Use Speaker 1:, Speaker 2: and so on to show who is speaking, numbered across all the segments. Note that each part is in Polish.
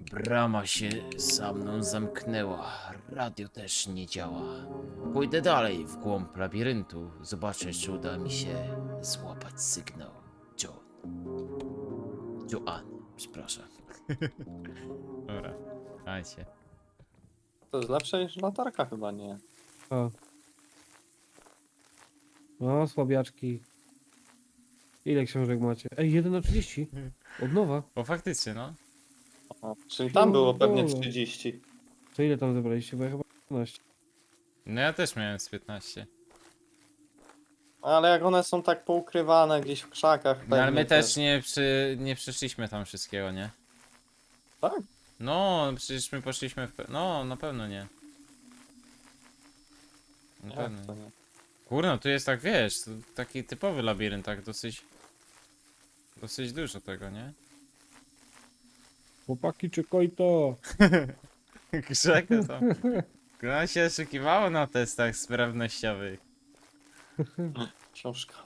Speaker 1: Brama się za mną zamknęła, radio też nie działa. Pójdę dalej w głąb labiryntu, zobaczę, czy uda mi się złapać sygnał. John. Joan, przepraszam. Dobra, dajcie.
Speaker 2: To jest lepsze niż latarka chyba, nie?
Speaker 3: O. O, słabiaczki. Ile książek macie? Ej, 1 na 30. Od nowa.
Speaker 1: O, faktycznie, no.
Speaker 2: O, czyli tam było pewnie
Speaker 3: Pierdolę.
Speaker 2: 30.
Speaker 3: To ile tam zebraliście? Bo ja chyba 15.
Speaker 1: No ja też miałem z 15.
Speaker 2: Ale jak one są tak poukrywane gdzieś w krzakach
Speaker 1: No ale
Speaker 2: pewnie
Speaker 1: my też nie przeszliśmy tam wszystkiego, nie?
Speaker 2: Tak?
Speaker 1: No, przecież my poszliśmy w... No, na pewno nie. Na
Speaker 2: Jak
Speaker 1: pewno
Speaker 2: to
Speaker 1: nie.
Speaker 2: nie?
Speaker 1: Kurno, tu jest tak, wiesz, to taki typowy labirynt, tak dosyć... Dosyć dużo tego, nie?
Speaker 3: Chłopaki, czekaj to.
Speaker 1: Grzeka tam. No się oszukiwało na testach sprawnościowych.
Speaker 2: Książka.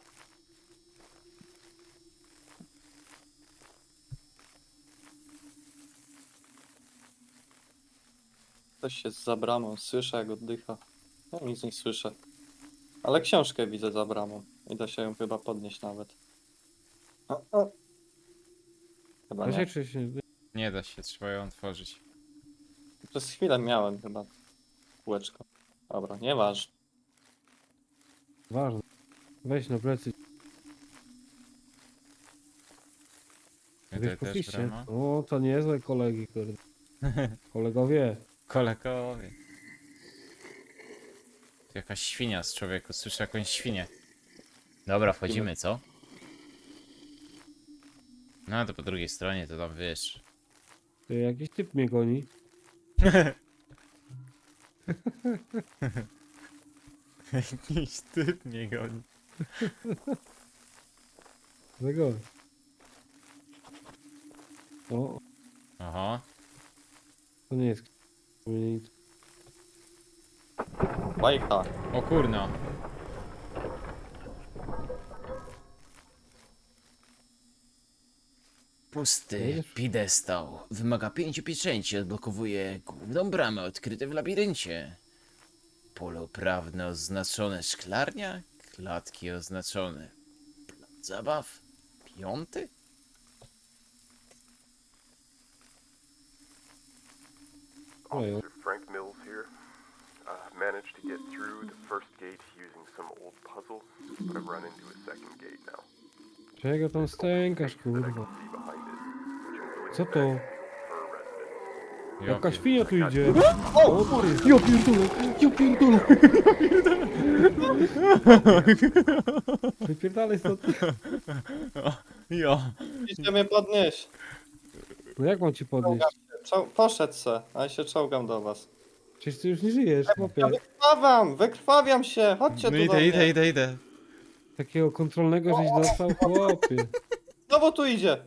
Speaker 2: Ktoś jest za bramą, słyszę jak oddycha. Ja nic nie słyszę. Ale książkę widzę za bramą. I da się ją chyba podnieść nawet. O. Chyba nie.
Speaker 3: Właśnie, czy się...
Speaker 1: Nie da się, trzeba ją otworzyć.
Speaker 2: Przez chwilę miałem chyba kółeczko. Dobra, nieważne.
Speaker 3: Ważne. Weź na plecy.
Speaker 1: Tutaj
Speaker 3: Wiesz,
Speaker 1: też
Speaker 3: poszliście?
Speaker 1: brama.
Speaker 3: O, to niezłe kolegi, kurde. Kolegowie.
Speaker 1: Kolekowie. Tu jakaś świnia z człowieku, słyszę jakąś świnię. Dobra, wchodzimy, co? No to po drugiej stronie, to tam wiesz.
Speaker 3: Ty, jakiś typ mnie goni.
Speaker 1: Jakiś typ mnie goni.
Speaker 3: Tego. O,
Speaker 1: Aha.
Speaker 3: to nie jest... nic.
Speaker 2: Bajka.
Speaker 1: O kurno. Pusty pidestał. Wymaga 5 pieczęci. Odblokowuje główną bramę odkryte w labiryncie. Pole uprawne oznaczone szklarnia. Klatki oznaczone. Plac zabaw. 5?
Speaker 3: Ojo.
Speaker 4: Officer Frank Mills here. Managed to get through the first gate using some old puzzle, but I've run into a second gate now.
Speaker 3: Czego tam stękasz,
Speaker 4: That I
Speaker 3: kurwa?
Speaker 4: can see behind it, which I'm going
Speaker 3: Co
Speaker 4: to
Speaker 3: to?
Speaker 4: for a resident.
Speaker 3: Jaka świnia tu idzie? O, ty! Ja pierdolę! Ja pierdolę! Wypierdalaj stąd.
Speaker 1: Jo.
Speaker 2: Idźcie mnie podnieść.
Speaker 3: No jak mam ci podnieść?
Speaker 2: Poszedł se, a ja się czołgam do was.
Speaker 3: Przecież ty już nie żyjesz, chłopie.
Speaker 2: Wykrwawiam się, chodźcie
Speaker 1: No
Speaker 2: tu do mnie.
Speaker 1: idę.
Speaker 3: Takiego kontrolnego żeś dostał, chłopie.
Speaker 2: No bo tu idzie.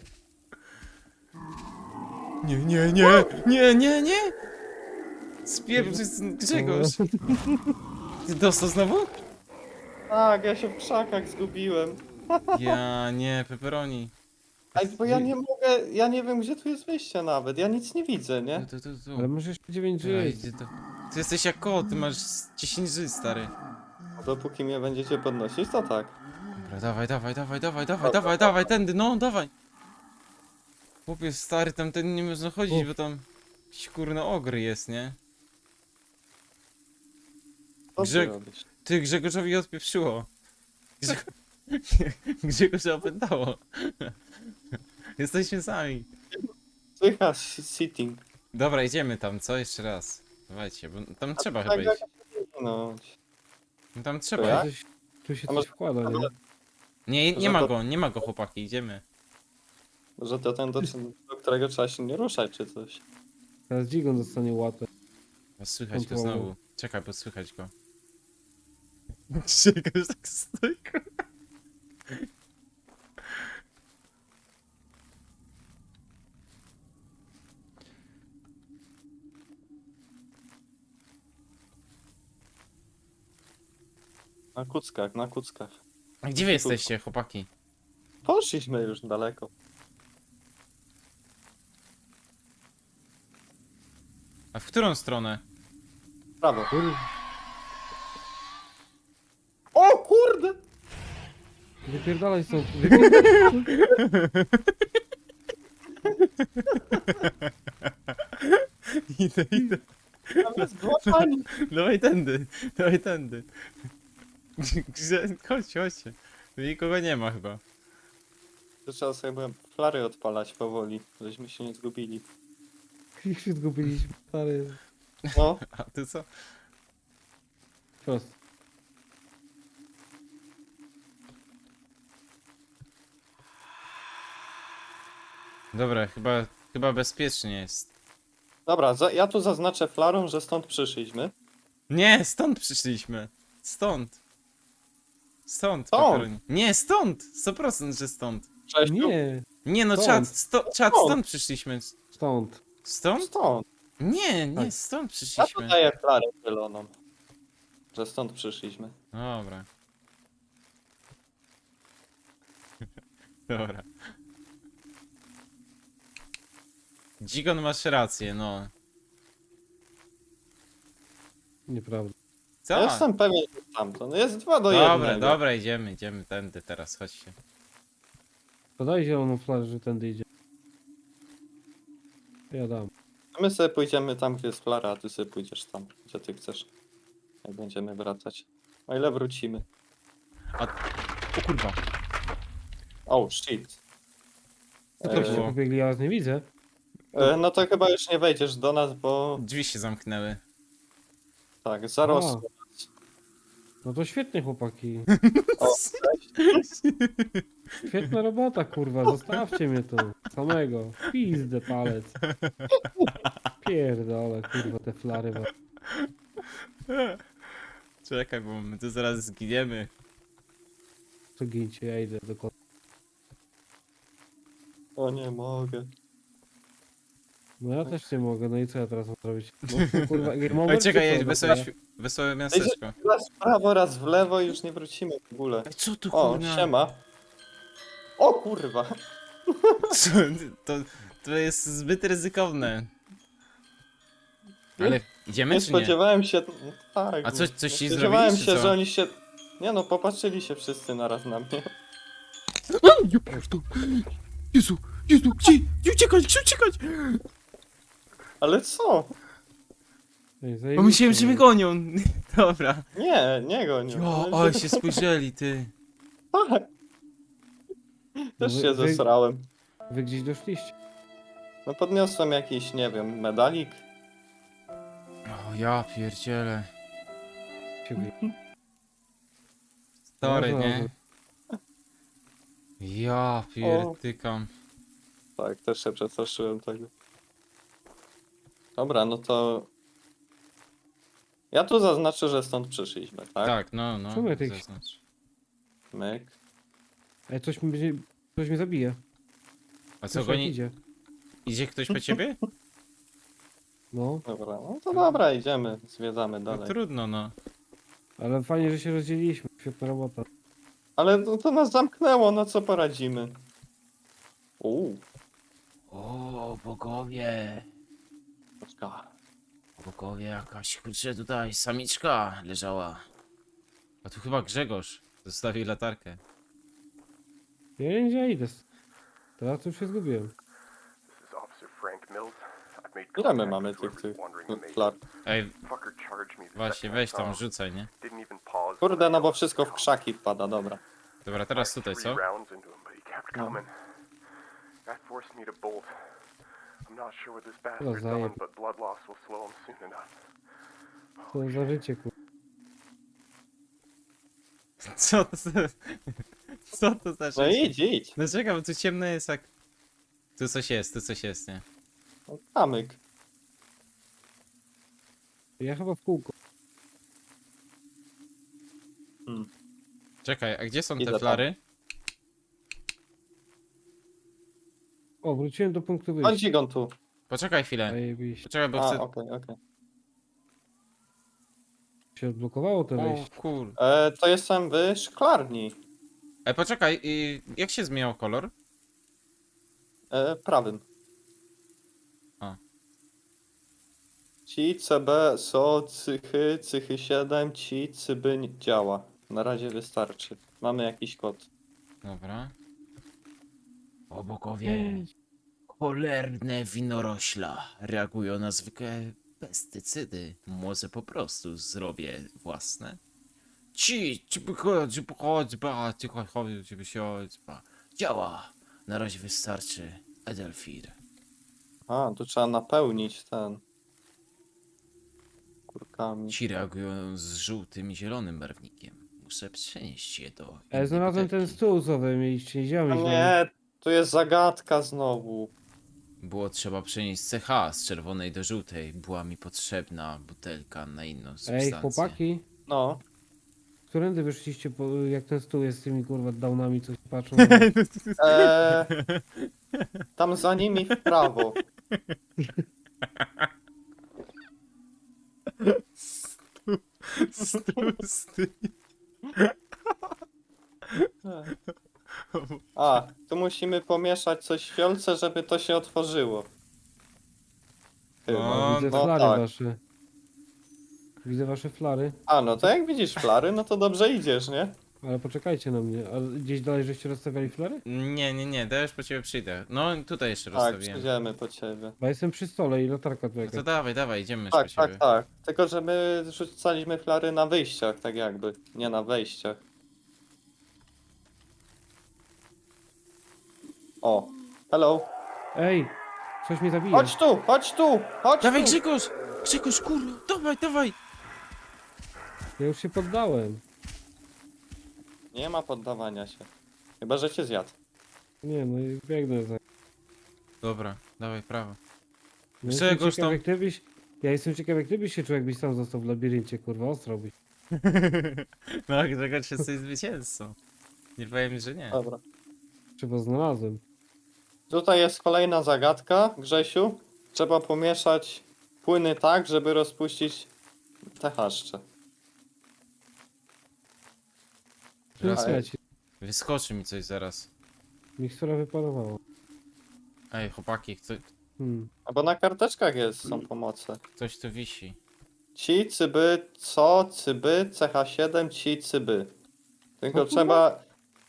Speaker 1: Nie. Spieprzy Grzegorz. Ty dostał znowu?
Speaker 2: Tak, ja się w krzakach zgubiłem.
Speaker 1: Ja nie, pepperoni.
Speaker 2: Ej, bo ja nie mogę, ja nie wiem gdzie tu jest wyjście nawet, ja nic nie widzę, nie?
Speaker 1: Tu.
Speaker 3: Ale masz jeszcze 9 żyć.
Speaker 1: Ty jesteś jak kot, ty masz 10 żyć, stary.
Speaker 2: Dopóki mnie będziecie podnosić, to tak.
Speaker 1: Dobra, dawaj, tędy, no, dawaj. Chłopie, stary, tam ten nie można chodzić,
Speaker 3: Uf.
Speaker 1: bo tam jakiś kurno ogry jest, nie?
Speaker 2: Co ty
Speaker 1: Grzeg-
Speaker 2: robisz?
Speaker 1: Ty, Grzegorzowi odpieprzyło. Grzegorza opętało. Jesteśmy sami.
Speaker 2: Słychać sitting.
Speaker 1: Dobra, idziemy tam, co? Jeszcze raz. Dawajcie, bo tam trzeba
Speaker 2: Tak,
Speaker 1: chyba iść.
Speaker 2: no.
Speaker 1: No tam
Speaker 2: Ja?
Speaker 1: trzeba.
Speaker 3: Tu się
Speaker 2: A może-
Speaker 3: coś wkłada, nie?
Speaker 1: Nie
Speaker 2: Że to-
Speaker 1: nie ma go chłopaki, idziemy.
Speaker 2: Że to ten, do którego trzeba się nie ruszać, czy coś.
Speaker 3: Teraz Dzigon dostanie łatę.
Speaker 1: Bo słychać go
Speaker 3: Kontrolą.
Speaker 1: znowu. Czekaj, bo słychać go. Grzegorz tak stoi.
Speaker 2: Na kuckach, na kuckach.
Speaker 1: A gdzie wy jesteście, chłopaki?
Speaker 2: Poszliśmy już daleko.
Speaker 1: A w którą stronę?
Speaker 2: Prawo.
Speaker 3: Kurwa,
Speaker 2: O kurde!
Speaker 3: wypierdalaj stąd. Wypierdalaj stąd.
Speaker 1: Idę.
Speaker 2: Tam jest złapani.
Speaker 1: Dawaj tędy, dawaj tędy. Chodźcie. Tu nikogo nie ma chyba.
Speaker 2: To trzeba sobie flary odpalać powoli, żeśmy się nie zgubili.
Speaker 3: Ich się zgubiliśmy, stary.
Speaker 2: No,
Speaker 1: A ty co?
Speaker 3: Prost.
Speaker 1: Dobra, chyba bezpiecznie jest.
Speaker 2: dobra, ja tu zaznaczę flarą, że stąd przyszliśmy.
Speaker 1: Nie, stąd przyszliśmy. Stąd. Stąd,
Speaker 2: Stąd?
Speaker 1: Pepperoni. Nie, stąd! 100% że stąd.
Speaker 2: Cześć,
Speaker 3: Nie,
Speaker 1: Nie no,
Speaker 3: Stąd.
Speaker 1: czat, stąd przyszliśmy.
Speaker 3: stąd.
Speaker 1: Stąd?
Speaker 2: stąd.
Speaker 1: Nie,
Speaker 3: Tak.
Speaker 1: stąd
Speaker 2: Ja tu
Speaker 1: przyszliśmy.
Speaker 2: daję flarę zieloną. Że stąd przyszliśmy.
Speaker 1: Dobra. Dobra. Dzigon, masz rację, no.
Speaker 3: Nieprawda.
Speaker 1: Co?
Speaker 2: Ja jestem pewien, że tamto. Jest 2 do
Speaker 1: Dobra,
Speaker 2: 1.
Speaker 1: dobra, idziemy tędy teraz, chodźcie.
Speaker 3: Podaj zieloną flarę, że tędy idzie. Ja dam.
Speaker 2: My sobie pójdziemy tam, gdzie jest flara, a ty sobie pójdziesz tam, gdzie ty chcesz. Jak będziemy wracać. O ile wrócimy.
Speaker 1: O kurwa.
Speaker 2: Oh shit.
Speaker 3: Co to się
Speaker 1: było?
Speaker 3: pobiegli, ja was nie widzę.
Speaker 2: No to chyba już nie wejdziesz do nas, bo
Speaker 1: Drzwi się zamknęły.
Speaker 2: tak, zarosło.
Speaker 3: No to świetnie, chłopaki.
Speaker 2: O,
Speaker 3: Świetna robota, kurwa. Zostawcie mnie tu. Samego. Pizdę palec. Pierdolę, kurwa, te flary.
Speaker 1: Czekaj, bo my tu zaraz zginiemy.
Speaker 3: To gincie, ja idę do kota.
Speaker 2: o nie mogę.
Speaker 3: No ja też nie mogę, no i co ja teraz mam zrobić? No, kurwa, game over,
Speaker 1: Oj, czekaj,
Speaker 3: czy co?
Speaker 1: jedź, wesołe miasteczko.
Speaker 2: Raz w prawo, raz w lewo i już nie wrócimy w ogóle.
Speaker 1: Ej, co tu
Speaker 2: O,
Speaker 1: kurna?
Speaker 2: siema. O kurwa.
Speaker 1: Co? To jest zbyt ryzykowne. Ale idziemy
Speaker 2: Nie
Speaker 1: czy nie?
Speaker 2: spodziewałem się. No, tak.
Speaker 1: A coś ci
Speaker 2: spodziewałem
Speaker 1: zrobili, czy
Speaker 2: się,
Speaker 1: co?
Speaker 2: że oni się. Nie no, popatrzyli się wszyscy naraz na mnie.
Speaker 1: Nie prawda. Jezu, gdzie uciekać?
Speaker 2: Ale co?
Speaker 3: Ej,
Speaker 1: Bo
Speaker 3: zajebiście,
Speaker 1: myślałem, że mnie
Speaker 3: no.
Speaker 1: gonią. Dobra.
Speaker 2: Nie go nie.
Speaker 1: Jo, ale się spojrzeli, ty.
Speaker 2: Tak. Też
Speaker 3: No
Speaker 2: się
Speaker 3: wy-
Speaker 2: zesrałem.
Speaker 3: Wy gdzieś doszliście.
Speaker 2: No podniosłem jakiś, nie wiem, medalik.
Speaker 1: O, ja pierdzielę.
Speaker 3: Ciebie.
Speaker 1: Story,
Speaker 3: No,
Speaker 1: nie? Ja pierdykam.
Speaker 2: Tak, też się przestraszyłem tego. Dobra, no to... Ja tu zaznaczę, że stąd przyszliśmy, tak?
Speaker 1: Tak, no.
Speaker 3: Czemu ja tych-
Speaker 1: Zaznacz.
Speaker 2: Myk.
Speaker 3: Ej, coś mi będzie... Coś mnie zabije.
Speaker 1: A co,
Speaker 3: Coś jak
Speaker 1: goni?
Speaker 3: idzie.
Speaker 1: Idzie ktoś po ciebie?
Speaker 3: No,
Speaker 2: Dobra, no to dobra, idziemy, zwiedzamy
Speaker 1: No
Speaker 2: dalej.
Speaker 1: trudno, no.
Speaker 3: ale fajnie, że się rozdzieliliśmy. Świetna robota.
Speaker 2: Ale to nas zamknęło, no co poradzimy? Uuu,
Speaker 1: O, bogowie.
Speaker 2: poczka.
Speaker 1: Bogowie, jakaś, kurczę, tutaj samiczka leżała. A tu chyba Grzegorz zostawił latarkę.
Speaker 3: Ja nie wiem, gdzie ja idę. Teraz już się zgubiłem.
Speaker 4: This is Officer Frank Mills. I've made
Speaker 2: Ile my
Speaker 4: contact
Speaker 2: mamy
Speaker 4: with
Speaker 2: tych
Speaker 4: whoever's wandering the
Speaker 2: flar?
Speaker 4: maze.
Speaker 1: Ej,
Speaker 4: Fucker charged me the
Speaker 1: właśnie,
Speaker 4: second
Speaker 1: weź
Speaker 4: I saw
Speaker 1: tam,
Speaker 4: him.
Speaker 1: rzucaj, nie?
Speaker 4: Didn't even pause.
Speaker 2: Kurde, no bo wszystko w krzaki wpada, dobra.
Speaker 1: Dobra, teraz tutaj, co?
Speaker 4: Rounds into him, but he kept
Speaker 2: No.
Speaker 4: coming. That forced me to bolt. I'm not sure what this
Speaker 3: No,
Speaker 4: bastard's
Speaker 3: zajeb.
Speaker 4: done, but blood loss will slow him soon enough.
Speaker 3: Co za życie, kurwa.
Speaker 1: Co to za... Co to za
Speaker 2: No
Speaker 1: rzecz?
Speaker 2: idź.
Speaker 1: No czekaj, bo tu ciemno jest jak... Tu coś jest, nie?
Speaker 2: No, kamyk.
Speaker 3: Ja chyba w kółko.
Speaker 1: Czekaj, a gdzie są
Speaker 2: Idę
Speaker 1: te
Speaker 2: tam.
Speaker 1: flary?
Speaker 3: O, wróciłem do punktu
Speaker 2: Chodź
Speaker 3: wyjścia.
Speaker 2: Igon tu.
Speaker 1: Poczekaj chwilę.
Speaker 3: Zajebiście.
Speaker 1: Poczekaj, bo
Speaker 2: A,
Speaker 1: chcę...
Speaker 2: okej.
Speaker 3: Się odblokowało to
Speaker 1: O
Speaker 3: wejście.
Speaker 1: kur...
Speaker 2: To jestem w szklarni.
Speaker 1: Poczekaj, jak się zmieniał kolor?
Speaker 2: Prawym.
Speaker 1: A.
Speaker 2: Ci, CB, SO, cychy, cychy 7, ci, cyby nie działa. Na razie wystarczy. Mamy jakiś kod.
Speaker 1: Dobra. O bogowie. Cholerne winorośla reagują na zwykłe pestycydy. Może po prostu zrobię własne? Działa. Na razie wystarczy Edelfir.
Speaker 2: A, tu trzeba napełnić ten. Kurkami.
Speaker 1: Ci reagują z żółtym i zielonym barwnikiem. Muszę przenieść je do
Speaker 3: Ja znalazłem ten
Speaker 1: butelki.
Speaker 3: stół, co wy mieliście, nie działamy.
Speaker 2: No nie, tu jest zagadka znowu.
Speaker 1: Było trzeba przenieść CH z czerwonej do żółtej. Była mi potrzebna butelka na inną substancję.
Speaker 3: Ej, chłopaki,
Speaker 2: No.
Speaker 3: którędy wyszliście, jak ten stół jest z tymi kurwa downami, coś patrzą?
Speaker 2: Eee, tam za nimi w prawo. A, tu musimy pomieszać coś w fiolce, żeby to się otworzyło. Chyba.
Speaker 1: No,
Speaker 3: Widzę
Speaker 2: no
Speaker 3: flary
Speaker 2: tak.
Speaker 3: wasze. Widzę wasze flary,
Speaker 2: A, no to jak widzisz flary, no to dobrze idziesz, nie?
Speaker 3: ale poczekajcie na mnie. A gdzieś dalej żeście rozstawiali flary?
Speaker 1: Nie, to już po ciebie przyjdę. No tutaj jeszcze
Speaker 2: Tak,
Speaker 1: rozstawiłem.
Speaker 2: przyjdziemy po ciebie.
Speaker 3: Bo jestem przy stole i latarka tu
Speaker 1: No
Speaker 3: jakaś.
Speaker 1: to dawaj, idziemy już
Speaker 2: Tak,
Speaker 1: po ciebie.
Speaker 2: tak, tak. Tylko, że my rzucaliśmy flary na wyjściach, tak jakby. Nie na wejściach. O, hello.
Speaker 3: Ej, coś mnie zabija.
Speaker 2: Chodź tu, chodź tu, chodź
Speaker 1: Dawaj
Speaker 2: tu.
Speaker 1: Grzegorz, kurwa, dawaj!
Speaker 3: Ja już się poddałem.
Speaker 2: Nie ma poddawania się. Chyba, że cię zjadł.
Speaker 3: Nie, no i biegnę za.
Speaker 1: Dobra, dawaj, prawo.
Speaker 3: No
Speaker 1: Grzegorz,
Speaker 3: jestem ciekaw,
Speaker 1: tam-
Speaker 3: jak ty byś... Ja jestem ciekaw, jak ty byś się czuł, jakbyś sam został w labiryncie, kurwa, ostro byś.
Speaker 1: No Grzegorz jesteś zwycięzcą. Nie powiem, że nie.
Speaker 2: Dobra.
Speaker 3: Trzeba znalazłem.
Speaker 2: Tutaj jest kolejna zagadka, Grzesiu. Trzeba pomieszać płyny tak, żeby rozpuścić te chaszcze.
Speaker 3: Teraz
Speaker 2: Ale-
Speaker 3: leci.
Speaker 1: Wyskoczy mi coś zaraz.
Speaker 3: Mikstura wyparowała.
Speaker 1: Ej, chłopaki,
Speaker 2: Albo na karteczkach są pomoce.
Speaker 1: ktoś tu wisi.
Speaker 2: Ci, cyby, co, cyby, CH7, ci, cyby. Tylko
Speaker 3: O kurwa.
Speaker 2: trzeba...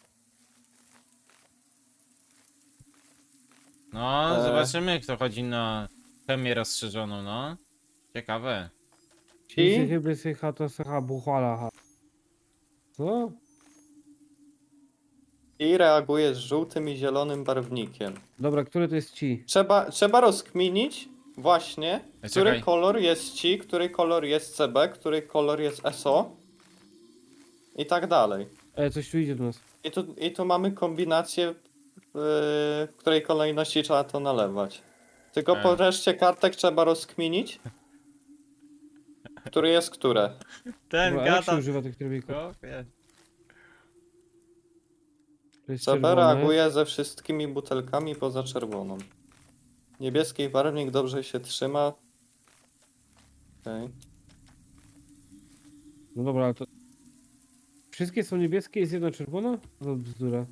Speaker 1: No,
Speaker 2: Eee.
Speaker 1: zobaczymy, kto chodzi na chemię rozszerzoną, no. Ciekawe.
Speaker 3: Ci chyby sycha to sycha buchwala. Ha. Co?
Speaker 2: I reaguje z żółtym i zielonym barwnikiem.
Speaker 3: Dobra, który to jest ci?
Speaker 2: Trzeba rozkminić właśnie,
Speaker 1: Ej,
Speaker 2: który
Speaker 1: czekaj.
Speaker 2: kolor jest ci, który kolor jest CB, który kolor jest SO i tak dalej.
Speaker 3: Coś tu idzie do nas.
Speaker 2: I tu mamy kombinację, w której kolejności trzeba to nalewać. Tylko po reszcie kartek trzeba rozkminić, który jest które.
Speaker 1: Ten
Speaker 3: Dobra, a jak się używa tych trybików? To jest
Speaker 2: CB
Speaker 3: czerwone.
Speaker 2: reaguje ze wszystkimi butelkami poza czerwoną. Niebieski barwnik dobrze się trzyma. Okej.
Speaker 3: No dobra, ale to... Wszystkie są niebieskie, jest jedna czerwona? To bzdura.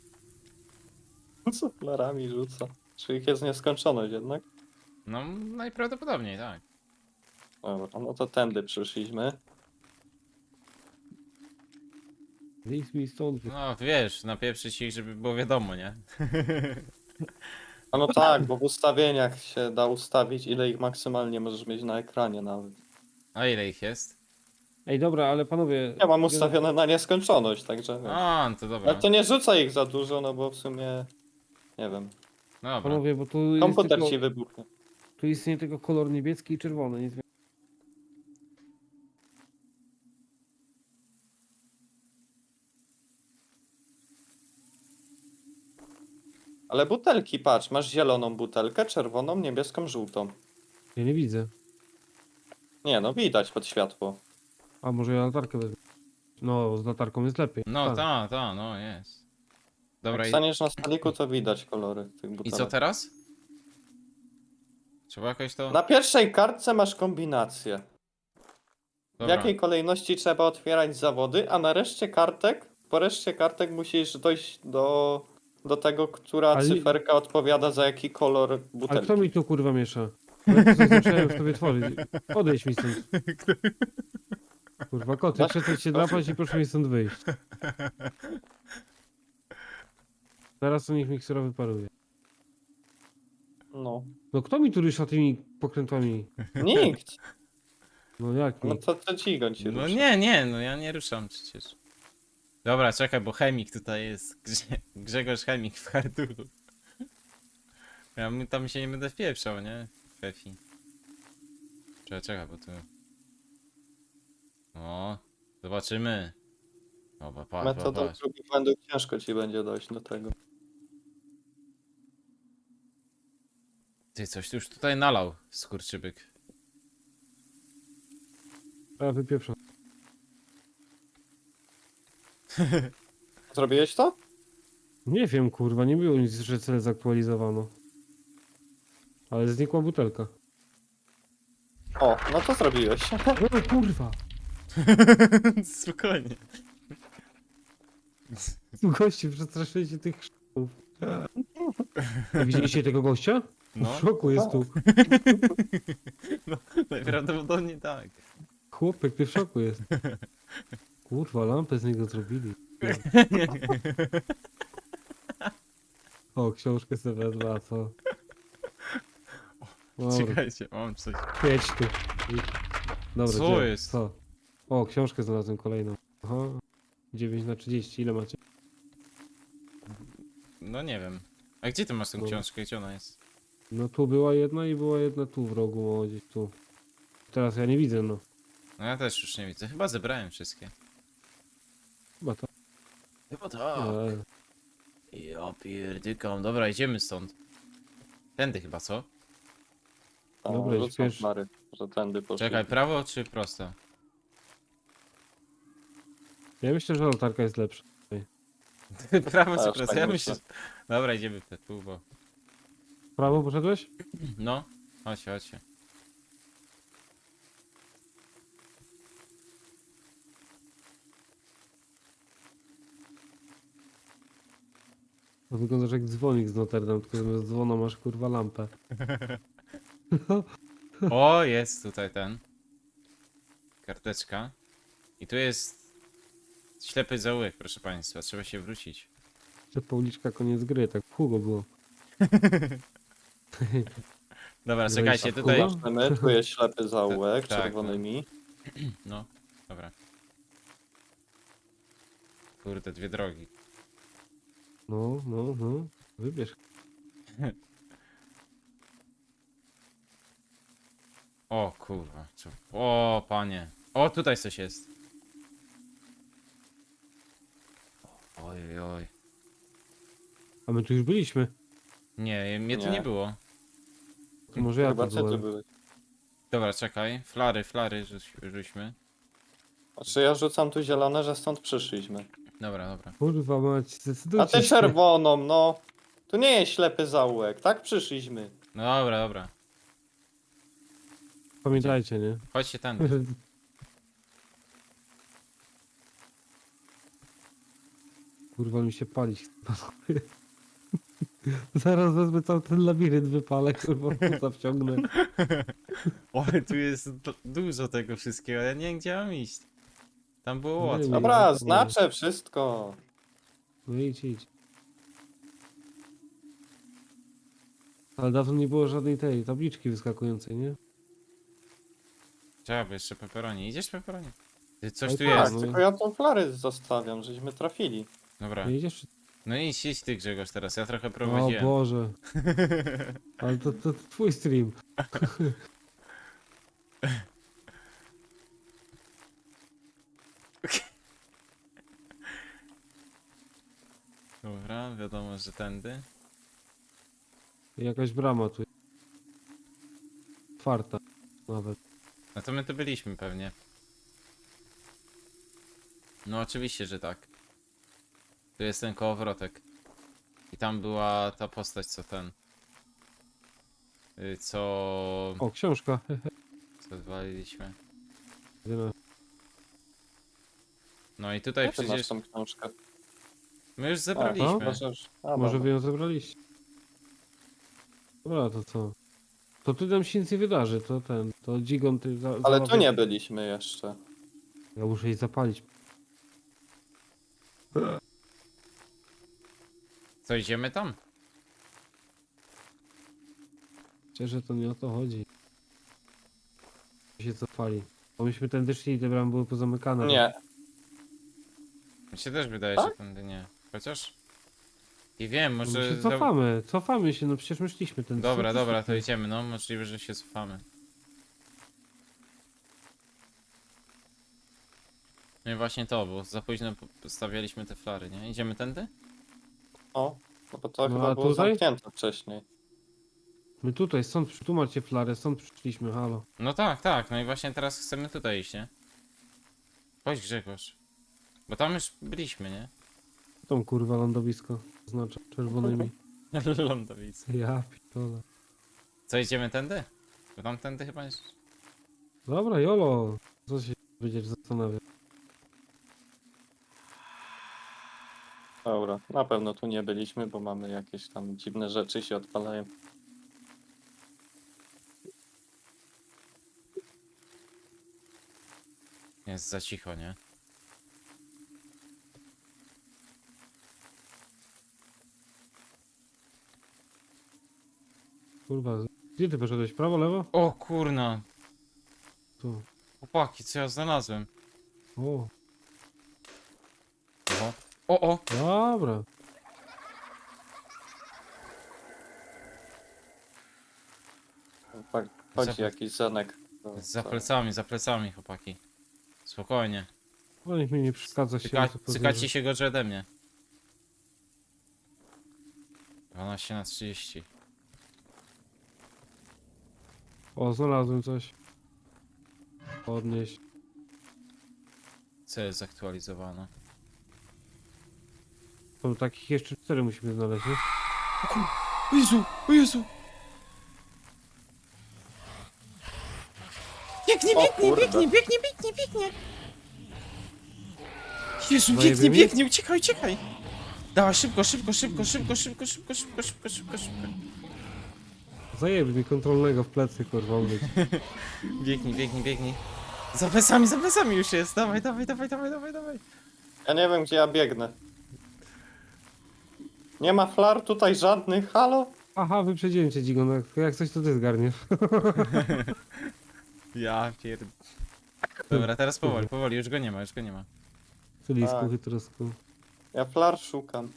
Speaker 2: Co flarami rzuca? Czy ich jest nieskończoność jednak?
Speaker 1: No, najprawdopodobniej, tak.
Speaker 2: Dobra, no to tędy przyszliśmy.
Speaker 3: Wyjdź mi stąd.
Speaker 1: No, wiesz, napieprzyć ich, żeby było wiadomo, nie?
Speaker 2: A no tak, bo w ustawieniach się da ustawić, ile ich maksymalnie możesz mieć na ekranie nawet.
Speaker 1: A ile ich jest?
Speaker 3: Ej, dobra, ale panowie...
Speaker 2: Ja mam ustawione na nieskończoność, także wiesz.
Speaker 1: A, no to dobra.
Speaker 2: Ale to nie rzuca ich za dużo, no bo w sumie... Nie wiem.
Speaker 1: Dobra.
Speaker 3: Panowie, bo tu jest
Speaker 2: Komputer
Speaker 3: tylko...
Speaker 2: ci wybuchnie.
Speaker 3: Tu istnieje tylko kolor niebieski i czerwony, nic więcej.
Speaker 2: Ale butelki, patrz, masz zieloną butelkę, czerwoną, niebieską, żółtą.
Speaker 3: Ja nie widzę.
Speaker 2: Nie no, widać pod światło.
Speaker 3: A może ja latarkę wezmę? No, z latarką jest lepiej.
Speaker 1: No,
Speaker 3: Tak.
Speaker 1: no jest. Dobra,
Speaker 2: Jak staniesz na stoliku, to widać kolory tych
Speaker 1: i
Speaker 2: butelek.
Speaker 1: co teraz? Trzeba jakoś to...
Speaker 2: Na pierwszej kartce masz kombinację. W
Speaker 1: Dobra.
Speaker 2: jakiej kolejności trzeba otwierać zawody, a na reszcie kartek, po reszcie kartek musisz dojść do tego, która
Speaker 3: Ale-
Speaker 2: cyferka odpowiada za jaki kolor
Speaker 3: Ale
Speaker 2: butelki.
Speaker 3: kto mi tu kurwa miesza? Ja coś zacząłem w tobie tworzyć. Odejdź mi stąd. Kurwa, koty, przestań się drapać i proszę mi stąd wyjść. Zaraz to niech miksura wyparuje.
Speaker 2: No.
Speaker 3: No kto mi tu rusza tymi pokrętłami?
Speaker 2: Nikt!
Speaker 3: No jak
Speaker 2: No
Speaker 3: nie?
Speaker 2: to Cigoń ci
Speaker 1: No
Speaker 2: ruszy.
Speaker 1: nie, no ja nie ruszam przecież. Dobra, czekaj, bo chemik tutaj jest. Grzegorz Chemik w harduru. Tam się nie będę wpieprzał, nie? Fefi. Czekaj, bo tu... O, zobaczymy. Dobra,
Speaker 2: Metodą
Speaker 1: patrz.
Speaker 2: prób i błędów ciężko ci będzie dojść do tego.
Speaker 1: Ty, coś tu już tutaj nalał, skurczybyk.
Speaker 3: A wypieprzam.
Speaker 2: Zrobiłeś to?
Speaker 3: Nie wiem, kurwa, nie było nic, że cel zaktualizowano. Ale znikła butelka.
Speaker 2: O, no to zrobiłeś.
Speaker 3: O kurwa!
Speaker 1: Spokojnie.
Speaker 3: Goście, przestraszyli się tych szków. Widzieliście tego gościa?
Speaker 1: No,
Speaker 3: W szoku jest tu.
Speaker 1: najprawdopodobniej tak.
Speaker 3: Chłopek, ty w szoku jest. Kurwa, lampę z niego zrobili. O, książkę sobie wezmę, a co? Dobra,
Speaker 1: Czekajcie, mam coś.
Speaker 3: świeć tu. Dobra,
Speaker 1: Co
Speaker 3: gdzie?
Speaker 1: jest?
Speaker 3: Co? O, książkę znalazłem kolejną. Aha. 9/30, ile macie?
Speaker 1: No nie wiem. A gdzie ty masz tę
Speaker 3: Dobra.
Speaker 1: książkę? Gdzie ona jest?
Speaker 3: No tu była jedna i była jedna tu w rogu, o, gdzieś tu. Teraz ja nie widzę, no.
Speaker 1: No ja też już nie widzę. Chyba zebrałem wszystkie.
Speaker 3: Chyba to.
Speaker 1: Chyba tak.
Speaker 3: Ale...
Speaker 1: Ja pierdykam. Dobra, idziemy stąd. Tędy chyba, co?
Speaker 3: Dobra,
Speaker 2: rzucam
Speaker 3: śpiesz.
Speaker 2: Mary, że tędy poszli.
Speaker 1: Czekaj, prawo czy prosto?
Speaker 3: Ja myślę, że latarka jest lepsza.
Speaker 1: prawo czy
Speaker 2: Też
Speaker 1: prosto?
Speaker 2: tak
Speaker 1: Ja
Speaker 2: myślę.
Speaker 1: myślę... Dobra, idziemy w te tu, bo...
Speaker 3: W prawo poszedłeś?
Speaker 1: No, chodźcie.
Speaker 3: No wyglądasz jak dzwonik z Notre Dame, tylko zamiast dzwona masz kurwa lampę.
Speaker 1: O, jest tutaj ten. Karteczka. I tu jest... Ślepy zaułek, proszę państwa. Trzeba się wrócić.
Speaker 3: Że Pauliczka koniec gry, tak w Hugo było.
Speaker 1: Dobra,
Speaker 3: No i
Speaker 1: czekajcie,
Speaker 3: co,
Speaker 1: tutaj...
Speaker 3: Kuba?
Speaker 2: Zobaczymy, tu jest ślepy zaułek
Speaker 1: Tak,
Speaker 2: czerwonymi.
Speaker 1: No, dobra. Kurde, dwie drogi.
Speaker 3: No, no, no. Wybierz.
Speaker 1: O kurwa. O panie. O, tutaj coś jest. Oj, oj.
Speaker 3: A my tu już byliśmy.
Speaker 1: Nie, mnie tu
Speaker 2: Nie.
Speaker 1: nie było.
Speaker 3: To może ja
Speaker 2: Chyba
Speaker 3: tu
Speaker 2: co ty
Speaker 3: byłem.
Speaker 2: byłeś?
Speaker 1: Dobra, czekaj. Flary rzućmy.
Speaker 2: Znaczy ja rzucam tu zielone, że stąd przyszliśmy.
Speaker 1: Dobra.
Speaker 3: Kurwa mać,
Speaker 2: A
Speaker 3: zdecydujcie
Speaker 2: ty
Speaker 3: się.
Speaker 2: czerwoną, no! Tu nie jest ślepy zaułek, tak przyszliśmy.
Speaker 1: No dobra.
Speaker 3: Pamiętajcie, nie?
Speaker 1: Chodźcie ten.
Speaker 3: Kurwa mi się palić. Zaraz wezmę cały ten labirynt, wypalę, kurwa, puta wciągnę.
Speaker 1: Oj, tu jest dużo tego wszystkiego. Ja nie wiem, gdzie mam iść. Tam było
Speaker 3: Nie
Speaker 1: łatwo.
Speaker 3: wiem.
Speaker 2: Dobra, znaczę wszystko.
Speaker 3: No idź. Ale dawno nie było żadnej tej tabliczki wyskakującej, nie?
Speaker 1: Trzeba by jeszcze pepperoni. Idziesz pepperoni? Ty, coś
Speaker 3: Ale
Speaker 1: tu
Speaker 3: tak,
Speaker 1: jest.
Speaker 3: no.
Speaker 2: Tylko ja tą flary zostawiam, żeśmy trafili.
Speaker 1: Dobra.
Speaker 3: Nie idziesz?
Speaker 1: No idź ty Grzegorz teraz. Ja trochę
Speaker 3: O
Speaker 1: prowadziłem.
Speaker 3: Boże. Ale to twój stream.
Speaker 1: Dobra, wiadomo, że tędy.
Speaker 3: Jakaś brama tu. Otwarta. Nawet.
Speaker 1: No to my tu byliśmy pewnie. No oczywiście, że tak. Tu jest ten kołowrotek. I tam była ta postać, co ten... Co...
Speaker 3: O, książka.
Speaker 1: Co zwaliliśmy.
Speaker 3: Wiele.
Speaker 1: No i tutaj
Speaker 2: Jak ty masz
Speaker 1: przecież...
Speaker 2: tą książkę?
Speaker 1: My już
Speaker 3: no.
Speaker 1: zebraliśmy.
Speaker 2: Możesz... A,
Speaker 3: Może
Speaker 2: dobra.
Speaker 3: wy ją zebraliście. Dobra, to co? To tu nam się nic nie wydarzy, to Dzigon ty
Speaker 2: Ale tu nie byliśmy jeszcze.
Speaker 3: Ja muszę jej zapalić.
Speaker 1: Co, idziemy tam?
Speaker 3: Szczerze to nie o to chodzi. Się zapali. Bo myśmy tędy szli i te bramy były pozamykane.
Speaker 2: Nie.
Speaker 1: Mi się też wydaje,
Speaker 2: Tak?
Speaker 1: że tędy nie. Chociaż... I wiem,
Speaker 3: No my
Speaker 1: może...
Speaker 3: się cofamy się, no przecież my szliśmy tędy.
Speaker 1: Dobra,
Speaker 3: Co ty
Speaker 1: dobra, to
Speaker 3: szliśmy?
Speaker 1: idziemy, no. Możliwe, że się cofamy. No i właśnie to, bo za późno stawialiśmy te flary, nie? Idziemy tędy?
Speaker 2: O, no bo to
Speaker 3: No,
Speaker 2: chyba
Speaker 3: a
Speaker 2: było
Speaker 3: tutaj?
Speaker 2: zamknięte wcześniej.
Speaker 3: My tutaj, tu macie flarę, stąd przyszliśmy, halo.
Speaker 1: No tak, tak. No i właśnie teraz chcemy tutaj iść, nie? Chodź, Grzegorz. Bo tam już byliśmy, nie?
Speaker 3: Tą kurwa lądowisko oznacza czerwonymi.
Speaker 1: Lądowice.
Speaker 3: Ja pitole.
Speaker 1: Co, idziemy tędy? Bo tam tędy chyba jest...
Speaker 3: Dobra, jolo. Co się będziesz zastanawiać?
Speaker 2: Dobra, na pewno tu nie byliśmy, bo mamy jakieś tam dziwne rzeczy się odpalają.
Speaker 1: Jest za cicho, nie?
Speaker 3: Kurwa, gdzie ty poszedłeś? Prawo, lewo?
Speaker 1: O kurna!
Speaker 3: Tu.
Speaker 1: Chłopaki, co ja znalazłem?
Speaker 3: O,
Speaker 1: Oho. O!
Speaker 3: dobra.
Speaker 2: Chodzi
Speaker 1: Za-
Speaker 2: jakiś zanek.
Speaker 1: Za plecami, chłopaki. Spokojnie.
Speaker 3: No niech mi nie przeszkadza się.
Speaker 1: Cykacie się gorzej ode mnie. 12/30.
Speaker 3: O, znalazłem coś. Podnieść.
Speaker 1: Co jest zaktualizowane?
Speaker 3: To takich jeszcze 4 musimy znaleźć, nie?
Speaker 1: O Jezu! O Jezu! Biegnie,
Speaker 2: O kurde.
Speaker 1: biegnie! Jezu,
Speaker 3: Zajebie
Speaker 1: biegnie,
Speaker 3: mi?
Speaker 1: biegnie, uciekaj! Dawaj, szybko!
Speaker 3: Zajebie mi kontrolnego w plecy, kurwa, umieć.
Speaker 1: Biegnij. Za plecami już jest, dawaj.
Speaker 2: Ja nie wiem, gdzie ja biegnę. Nie ma flar tutaj żadnych, halo?
Speaker 3: Aha, wyprzedziłem cię, Dzigon. Jak coś to ty zgarniesz.
Speaker 1: Ja pierd... Dobra, teraz powoli, już go nie ma.
Speaker 3: Cylisku,
Speaker 2: Tak.
Speaker 3: chytrosku.
Speaker 2: Ja flar szukam.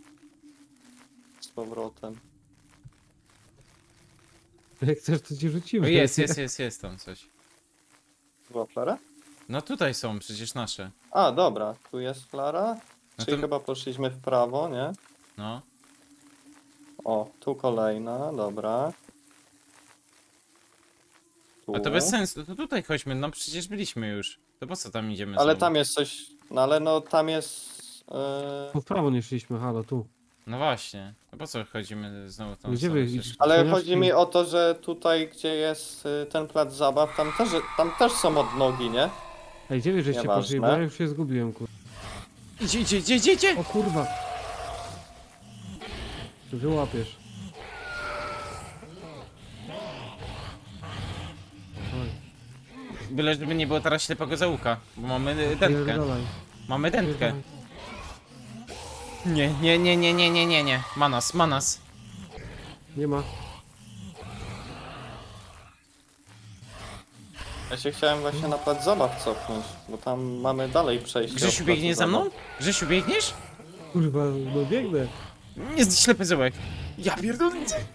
Speaker 2: Z powrotem.
Speaker 3: Jak chcesz, to ci
Speaker 1: O,
Speaker 3: rzucimy.
Speaker 1: jest tam coś.
Speaker 2: Była flara?
Speaker 1: No tutaj są przecież nasze.
Speaker 2: A, dobra, tu jest flara.
Speaker 1: No
Speaker 2: Czyli
Speaker 1: to-
Speaker 2: chyba poszliśmy w prawo, nie?
Speaker 1: No.
Speaker 2: O, tu kolejna, dobra. Tu.
Speaker 1: A to bez sensu, to tutaj chodźmy, no przecież byliśmy już. To po co tam idziemy
Speaker 2: Ale
Speaker 1: znowu?
Speaker 2: tam jest coś. No ale no tam jest.
Speaker 3: Tu w prawo nie szliśmy, halo, tu.
Speaker 1: No właśnie. To po co chodzimy znowu tą
Speaker 3: Gdzie
Speaker 1: stronę
Speaker 3: wy
Speaker 1: przecież?
Speaker 3: idziecie?
Speaker 2: Ale
Speaker 3: Otwierasz
Speaker 2: chodzi
Speaker 3: i-
Speaker 2: mi o to, że tutaj, gdzie jest ten plac zabaw, tam też są odnogi, nie?
Speaker 3: Ej, gdzie wy żeście
Speaker 2: Nieważne.
Speaker 3: poszli? Bo ja już się zgubiłem, kurwa.
Speaker 1: Idzie!
Speaker 3: O kurwa! Ty wyłapiesz. Oj,
Speaker 1: Byle żeby nie było teraz ślepego zaułka, bo mamy dętkę.
Speaker 3: pierdolaj.
Speaker 1: Mamy dętkę.
Speaker 3: Pierdolaj.
Speaker 1: Nie. Manas.
Speaker 3: Nie ma.
Speaker 2: Ja się chciałem właśnie na plac zabaw cofnąć, bo tam mamy dalej przejście.
Speaker 1: Grzesiu
Speaker 2: od placu
Speaker 1: biegnie za
Speaker 2: zabaw.
Speaker 1: mną? Grzesiu biegniesz?
Speaker 3: Kurwa, no biegnę.
Speaker 1: Jest ślepy zaułek. Ja pierdolę.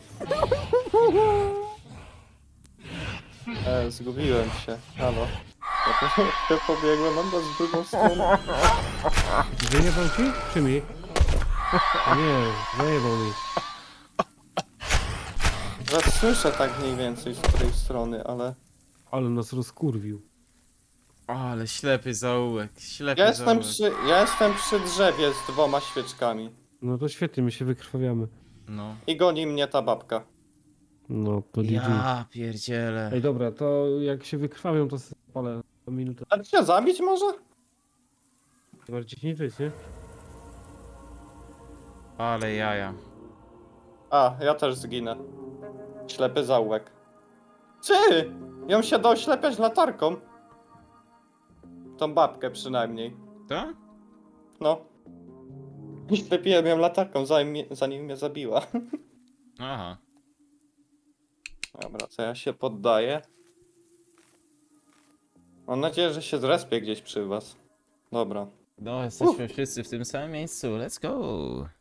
Speaker 2: Zgubiłem się. Halo. Ja pobiegłem, on z drugą stronę.
Speaker 3: Zajebał ci? Czy mi? Nie, zajebał mi.
Speaker 2: Że słyszę tak mniej więcej z której strony, ale...
Speaker 3: Ale nas rozkurwił.
Speaker 1: Ale ślepy zaułek,
Speaker 2: Ja jestem przy drzewie z 2 świeczkami.
Speaker 3: No to świetnie, my się wykrwawiamy.
Speaker 1: No.
Speaker 2: I goni mnie ta babka.
Speaker 3: No to GG.
Speaker 1: Ja pierdzielę.
Speaker 3: Ej, dobra, to jak się wykrwawią, to spalę na minutę.
Speaker 2: A cię zabić może?
Speaker 3: Bardziej nie żyć, nie?
Speaker 1: Ale jaja.
Speaker 2: A, ja też zginę. Ślepy zaułek. Czy? Ją się da oślepiać latarką. Tą babkę przynajmniej.
Speaker 1: To?
Speaker 2: No. Ślepiłem ją latarką, zanim mnie zabiła.
Speaker 1: Aha.
Speaker 2: Dobra, co ja się poddaję? Mam nadzieję, że się zrespię gdzieś przy was. Dobra.
Speaker 1: No, jesteśmy wszyscy w tym samym miejscu. Let's go.